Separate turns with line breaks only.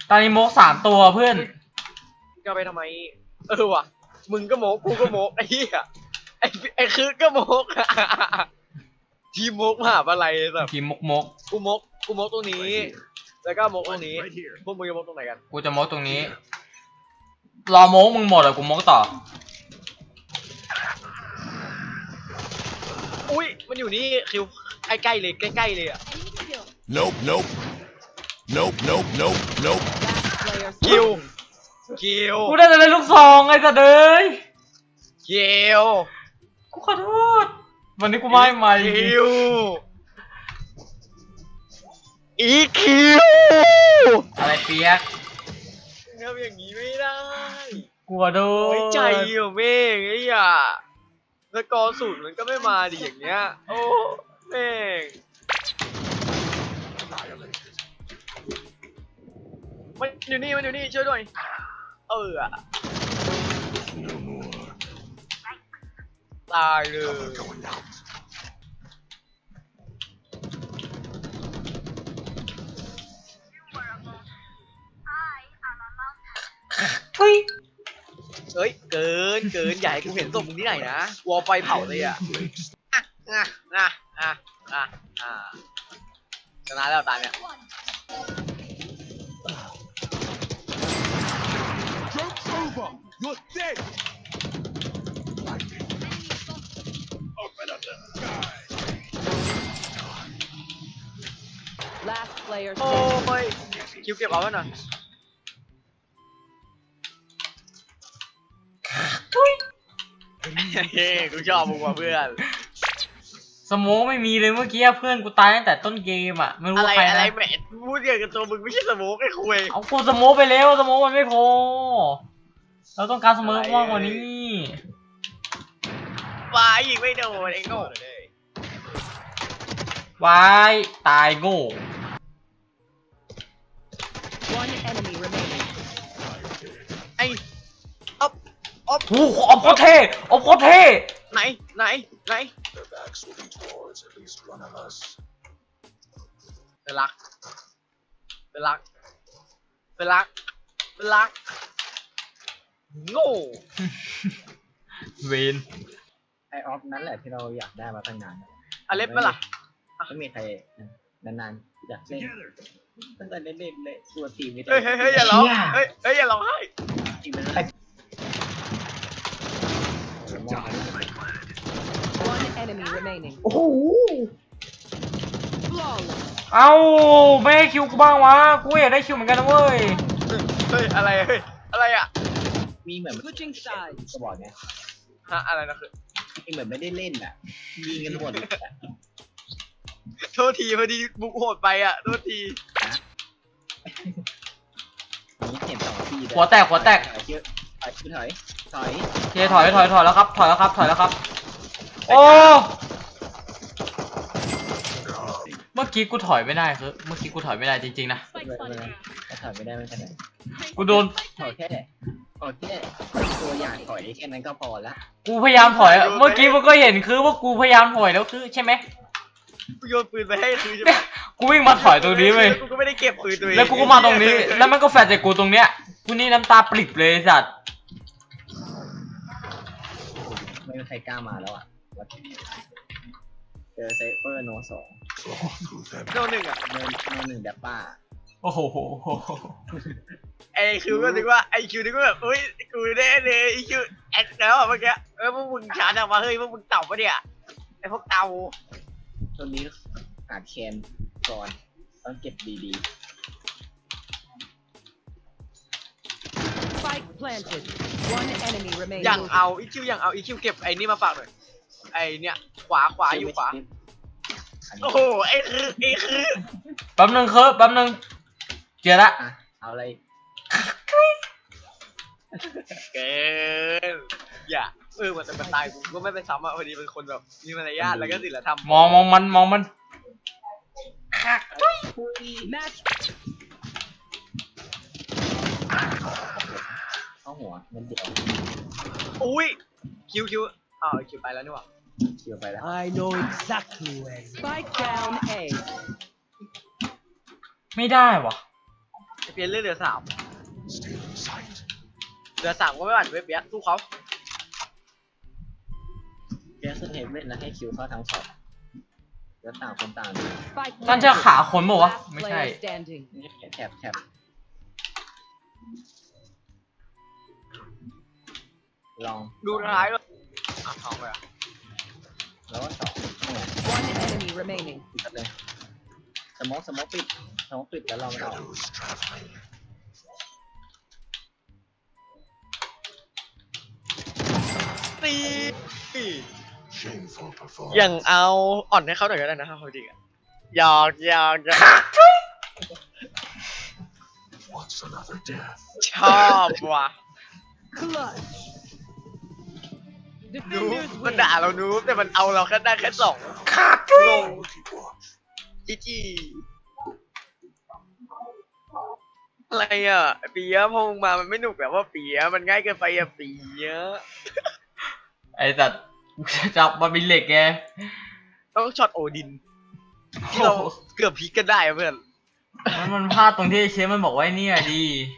ตอนนี้โมก3 ตัวเพื่อน
จะไปทำไมว่ะมึงก็โมกกูก็โมกไอ้เหี้ยไอ้คือก็โมกทีมโมกมหาอะไรแบบ
ทีมมก
กูโมกตรงนี้แล้วก็โมกตรงนี้พวกมึงจะโมกตรงไหนกัน
กูจะโมกตรงนี้รอโมกมึงหมดอะกูโมกต่อ
อุ้ยมันอยู่นี่คิวใกล้ๆเลยใกล้ๆเลยอ่ะ
Nope, nope. Nope, nope, nope, nope.
คิว
กูได้แต่เล่นลูกซองไอ้สัตว์เอ้ย
คิว
กูขอโทษวันนี้กูไม่มา
คิวอีคิว
อะไรเปียก
ทำอย่างนี้ไม่ได้
กูขอโทษ
ไว้ใจอยู่เมฆไอ้เหี้ยสกอร์ศูนย์มันก็ไม่มาดิอย่างเงี้ยโอ้เมฆมันอยู่นี่ช่วยด้วยตายเลย
ทุย
เฮ้ยเกินอย่าให้กูเห็นศพมึงที่ไหนนะวอลไฟเผาเลยอ่ะชนะแล้วตายเนี่ย
Joke's over. You're dead. Open up the sky.
Last player
โอ้
standing.
ยคิวเก็บเอาไว้หน่อย
ทุย
เฮ้กูชอบมึงว่ะเพื่อน
สโมกไม่มีเลยเมื่อกี้เพื่อนกูตายตั้งแต่ต้นเกมอ่ะไม่รู้
อะไร
ว่าใคร
อะไร
นะ
แหมพูดเกี่ยวกับตัวมึงไม่ใช่สโมกไอ้คุย
เอากูสโมกไปแล้วสโมกมันไม่พอเราต้องการสโมกมากกว่านี้
วายยิงไม่โดนไอ้โง่
วายตายโง่
One enemy remaining.
ไอ้อ๊อบ
โอ้โหออกโคตรเท่ออกโคตรเท่
ไหน
Their backs will be towards at least one of us.
เป็นรักโง่
เวน
ไอออฟนั่นแหละที่เราอยากได้มาตั้งนาน
อเล็บปะล่ะ
ไม่มีใครนานๆอยากเล่นตั้งแต่เล่นเลยตัวทีมนี่
เฮ้ยอย่าร้องเฮ้ยอย่าร้องไห้
ทีมมันอะไร
One enemy remaining.
โอ้โห
Flawless.
เอ้าไม่ให้คิวกูบ้างวะกูอยากได้คิวเหมือนกันนะเว้ย
เฮ้ยอะไรอ่ะ
มีเหมือน
Switching sides.
ก็บอกไง
ฮะอะไรนะคือ
มีเหมือนไม่ได้เล่นอ่ะยิงกันหมด
โทษทีพอดีบุกโหดไปอ่ะโทษที
มีเห็นสองที
หัวแตก
ถอย
โอเคถอยแล้วครับถอยแล้วครับ โอ้เมื่อกี้กูถอยไม่ได้คือเมื่อกี้กูถอยไม่ได้จริงๆนะ
ถอยไม่ได้ไม่เป็นไร
กูโดน
ถอยแค่ตัวอย่างถอยแค่นั้นก็พอละ
กูพยายามถอยอะเมื่อกี้มันก็เห็นคือว่ากูพยายามถอยแล้วคือใช่ไหม
กูโยนปืนไปให้คือใช่ไหม
กูวิ่งมาถอยตรงนี้เว้ย
กูก็ไม่ได้เก็บปืนตัวเอง
แล้วกูก็มาตรงนี้ แล้วมันก็แฟลชใส่กูตรงเนี้ยกูนี่น้ำตาปริบเลยสัตว์
ไม่มีใครกล้ามาแล้วอ่ะเจอเซฟเฟอร์โนสอง
โนหนึ่งอ่ะ
โนหนึ่งแดปป้า
โอ้โห
ไอคิวก็นึกว่าไอคิวนึกว่าแบบเฮ้ยกูได้เลยไอคิวแอคแล้วอ่ะเมื่อกี้พวกมึงชาร์จออกมาเฮ้ยพวกมึงเต่าปะเนี่ยไอพวกเต่า
ตัวนี้อาจแคนก่อนต้องเก็บดี
Spike planted. One enemy remaining.
อย่างเอาอีคิวเก็บไอ้นี่มาฝากหน่อยไอเนี่ยขวา
ๆ
อยู่ขวาโอ้โหไอคือ
แป๊บนึงเจอละ
อ่ะเอาอะไร
เกินอย่ามันจะเป็นตายกูก็ไม่ไปซ้ำอ่ะพอดีเป็นคนแบบมีมารยาทแล้วก็ศีลธรรม
มองมัน
Match.
เข้าหัวมันเดียว
อุ้ยคิวคิวไปแล้วนี่หว่า
เกี่ยวไปแล้ว
I know exactly where.
Spike down A.
ไม่ได้วะ
ไอเปีลี่ยนเรื่องเหลือ 3
Still in sight.
เหลือ 3ก็ไม่หวั่นเว้ยเปียกสู้เขา
เกียร์ขึ้นเฮดเว่นแล้วให้คิวเข้าทั้งช็อตแล้วต่างคนต่างดู
Spike
ท่านจะ
planted.
ขาคนบอกวะ
Last
ไม่ใช่
player standing.
นี่แถบลอง
ดูท้ายด้วยอ่ะเอาไปอ่ะ
แล้วก็สองนี่ไง
One enemy remaining.
ปิดเลยสมองปิดแล้วลองมันออก
Shadows traveling.
ตี
Shameful
อย่าง
performance.
เอาอ่อนให้เขาหน่อยก็ได้นะครับจริงอ่ะหยอก
What's another death?
ชอบว่ะ
Clutch.
นูบ
Defenders
มัน
win.
ด่าเรานูบแต่มันเอาเราแค่ได้แค่2งง
Keep watch.
จีอะไรอ่ะปียะพอมึงมามันไม่หนุกแบบว่าปียะมันง่ายเกินไปอ่ะปียะ
ไอ้สัตว์จับมันเป็นเหล็กไง
ต้องช็อตโอดินที่เราเกือบพลิกกันได้อะเพื่อน
มันพลาดตรงที่เชฟมันบอกไว้เนี่ยดี